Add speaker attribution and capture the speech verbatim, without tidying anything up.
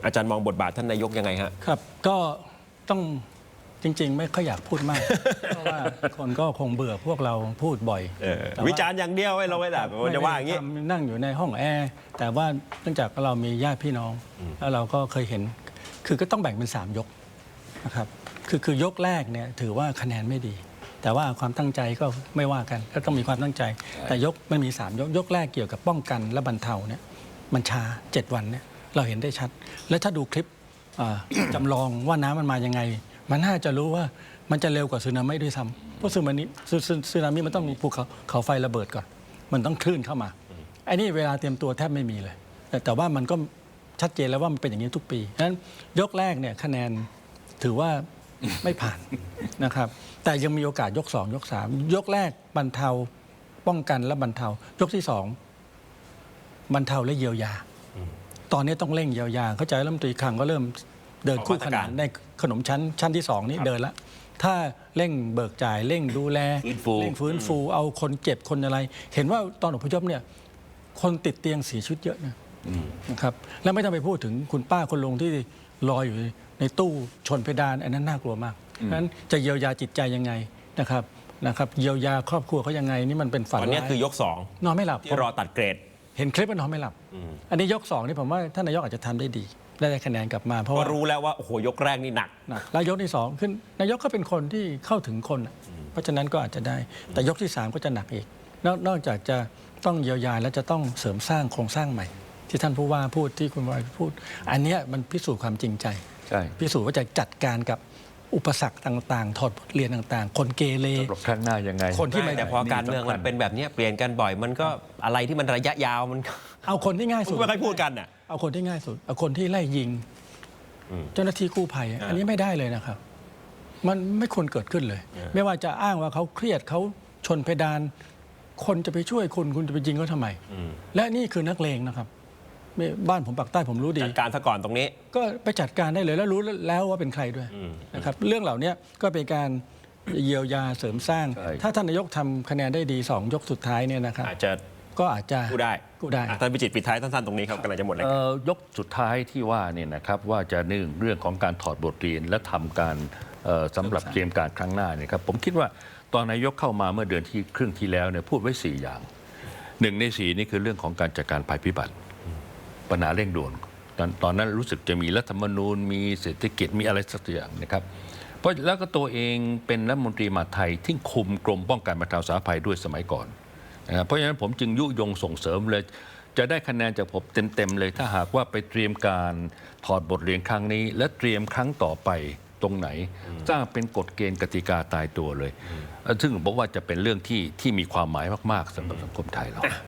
Speaker 1: อาจารย์มองบทบาทท่านนายกยังไงฮะ
Speaker 2: ครับก็ต้องจริงๆไม่ค่อยอยากพูดมาก เพราะว่าคนก็คงเบื่อพวกเราพูดบ่อย
Speaker 1: วิจารณ์อย่างเดียวไม่เราไม่ได้จะว่าอย่างนี้
Speaker 2: นั่งอยู่ในห้องแอร์แต่ว่าเนื่องจากเรามีญาติพี่น้องแล้วเราก็เคยเห็นคือก็ต้องแบ่งเป็นสามยกนะครับคือคือยกแรกเนี่ยถือว่าคะแนนไม่ดีแต่ว่าความตั้งใจก็ไม่ว่ากันก็ต้องมีความตั้งใจแต่ยกมันมีสามยกยกแรกเกี่ยวกับป้องกันและบรรเทาเนี่ยมันช้าเจ็ดวันเนี่ยเราเห็นได้ชัดและถ้าดูคลิปจำลองว่าน้ำมันมายังไงมันน่าจะรู้ว่ามันจะเร็วกว่าสึนามิด้วยซ้ำเพราะสึนามิสึนามิมันต้องมีภูเขาเขาไฟระเบิดก่อนมันต้องคลื่นเข้ามาไอ้นี่เวลาเตรียมตัวแทบไม่มีเลยแต่แต่ว่ามันก็ชัดเจนแล้วว่ามันเป็นอย่างนี้ทุกปีฉะนั้นยกแรกเนี่ยคะแนนถือว่าไม่ผ่านนะครับแต่ยังมีโอกาสยกสองยกสามยกแรกบรรเทาป้องกันและบรรเทายกที่สองบรรเทาและเยียวยาตอนนี้ต้องเร่งเยียวยาเข้าใจรัฐมนตรีคลังก็เริ่มเดินคู่ขนานในขนมชั้นชั้นที่สองนี้เดินแล้วถ้าเร่งเบิกจ่ายเร่งดูแลเร่งฟื้นฟูเอาคนเจ็บคนอะไรเห็นว่าตอนอพยพเนี่ยคนติดเตียงเสียชีวิตเยอะนะครับแล้วไม่ต้องไปพูดถึงคุณป้าคนลุงที่รออยู่ในตู้ชนเพดานอันนั้นน่ากลัวมากนั้นจะเยียวยาจิตใจยังไงนะครับนะครับเยียวยาครอบครัวเขายังไงนี่มันเป็นฝัน
Speaker 1: ตอนนี้คือยกสอง
Speaker 2: นอนไม่หลับ
Speaker 1: ที่รอตัดเกรด
Speaker 2: เห็นคลิปมันนอนไม่หลับอันนี้ยกสองนี่ผมว่าท่านนายกอาจจะทำได้ดีได้คะแนนกลับมาเพราะว่า
Speaker 1: รู้แล้วว่าโอ้โหยกแรกนี่หนัก
Speaker 2: หนักแล้วยกที่สองขึ้นนายกก็เป็นคนที่เข้าถึงคนเพราะฉะนั้นก็อาจจะได้แต่ยกที่สามก็จะหนักอีกนอกจากจะต้องเยียวยาแล้วจะต้องเสริมสร้างโครงสร้างใหม่ที่ท่านผู้ว่าพูดที่คุณวายพูดอันนี้มันพิสูจน์ความจริงใจพิสูจน์ว่าจะจัดการกับอุปสรรคต่างๆถอดบทเรียนต่างๆคนเกเร
Speaker 3: ครั้งหน้ายังไง
Speaker 1: คนที่ไม่แต่พอการเมืองมันเป็นแบบนี้เปลี่ยนกันบ่อยมันก็อะไรที่มันระยะยาวมัน
Speaker 2: เอาคนที่ง่ายสุด
Speaker 1: ไม่ค่อยพูดกันอ่ะ
Speaker 2: เอาคนที่ง่ายสุดเอาคนที่ไล่ยิงเจ้าหน้าที่กู้ภัยอันนี้ไม่ได้เลยนะครับมันไม่ควรเกิดขึ้นเลยไม่ว่าจะอ้างว่าเขาเครียดเขาชนเพดานคนจะไปช่วยคุณคุณจะไปยิงเขาทำไมและนี่คือนักเลงนะครับบ้านผมปากใต้ผมรู้ดี
Speaker 1: จัดการซะก่อนตรงนี้
Speaker 2: ก็ไปจัดการได้เลยแล้วรู้แล้วว่าเป็นใครด้วยนะครับเรื่องเหล่านี้ก็เป็นการเยียวยาเสริมสร้างถ้าท่านนายกทำคะแนนได้ดีสองยกสุดท้ายเนี่ยนะครับ
Speaker 1: อาจจะ
Speaker 2: ก็อาจจะ
Speaker 1: กู้ได้
Speaker 2: กู้ได้
Speaker 1: ท่านพิจิตรปิดท้ายสั้นๆตรงนี้ครับกำลังจะหมดเลย
Speaker 3: ยกสุดท้ายที่ว่าเนี่ยนะครับว่าจะหนึ่งเรื่องของการถอดบทเรียนและทำการสำหรับเตรียมการครั้งหน้าเนี่ยครับผมคิดว่าตอนนายกเข้ามาเมื่อเดือนที่ครึ่งที่แล้วเนี่ยพูดไว้สี่อย่างหนึ่งในสี่นี่คือเรื่องของการจัดการภัยพิบัติปัญหาเร่งด่วนตอนนั้นรู้สึกจะมีรัฐธรรมนูญมีเศรษฐกิจมีอะไรสักอย่างนะครับเพราะแล้วก็ตัวเองเป็นรัฐมนตรีมหาดไทยที่คุมกรมป้องกันบรรเทาสาธารณภัยด้วยสมัยก่อนนะครับเพราะฉะนั้นผมจึงยุยงส่งเสริมเลยจะได้คะแนนจากผมเต็มๆเลยถ้าหากว่าไปเตรียมการถอดบทเรียนครั้งนี้และเตรียมครั้งต่อไปตรงไหนสร้างเป็นกฎเกณฑ์กติกาตายตัวเลยซึ่งผมว่าจะเป็นเรื่องที่ที่มีความหมายมากๆสำหรับสังคมไทยเรา